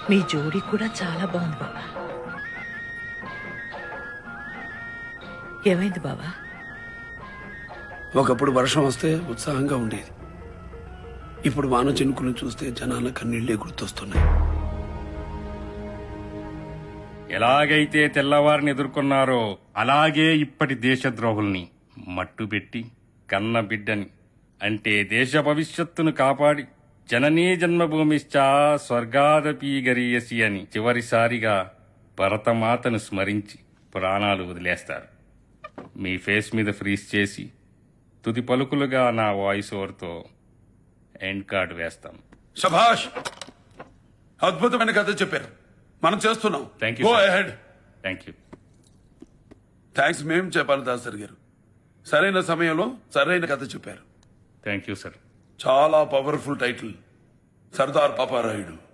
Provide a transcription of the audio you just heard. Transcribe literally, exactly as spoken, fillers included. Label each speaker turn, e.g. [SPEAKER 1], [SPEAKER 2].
[SPEAKER 1] మీ జోడీ కూడా చాలా బాగుంది బావా. ఏమైంది బావా?
[SPEAKER 2] ఒకప్పుడు వర్షం వస్తే ఉత్సాహంగా ఉండేది. ఇప్పుడు వాన చినుకులు చూస్తే జనాల కన్నీళ్లే గుర్తొస్తున్నాయి.
[SPEAKER 3] ఎలాగైతే తెల్లవారిని ఎదుర్కొన్నారో అలాగే ఇప్పటి దేశద్రోహుల్ని మట్టుబెట్టి కన్న బిడ్డని అంటే దేశ భవిష్యత్తును కాపాడి జననీ జన్మభూమిశ్చా స్వర్గాదపి గరీయసి అని చివరిసారిగా భరతమాతను స్మరించి ప్రాణాలు వదిలేస్తారు. మీ ఫేస్ మీద ఫ్రీజ్ చేసి తుది పలుకులుగా నా వాయిస్ ఓవర్తో ఎండ్ కార్డు వేస్తాం.
[SPEAKER 4] శభాష్, అద్భుతమైన కథ చెప్పారు. మనం చేస్తున్నాం.
[SPEAKER 3] Thank you
[SPEAKER 4] go
[SPEAKER 3] sir.
[SPEAKER 4] Ahead.
[SPEAKER 3] Thank you.
[SPEAKER 4] Thanks మేం చెప్పాలి దాసరి గారు. సరైన సమయంలో సరైన కథ చెప్పారు.
[SPEAKER 3] Thank you sir.
[SPEAKER 4] చాలా పవర్ఫుల్ టైటిల్, సర్దార్ పాపారాయుడు.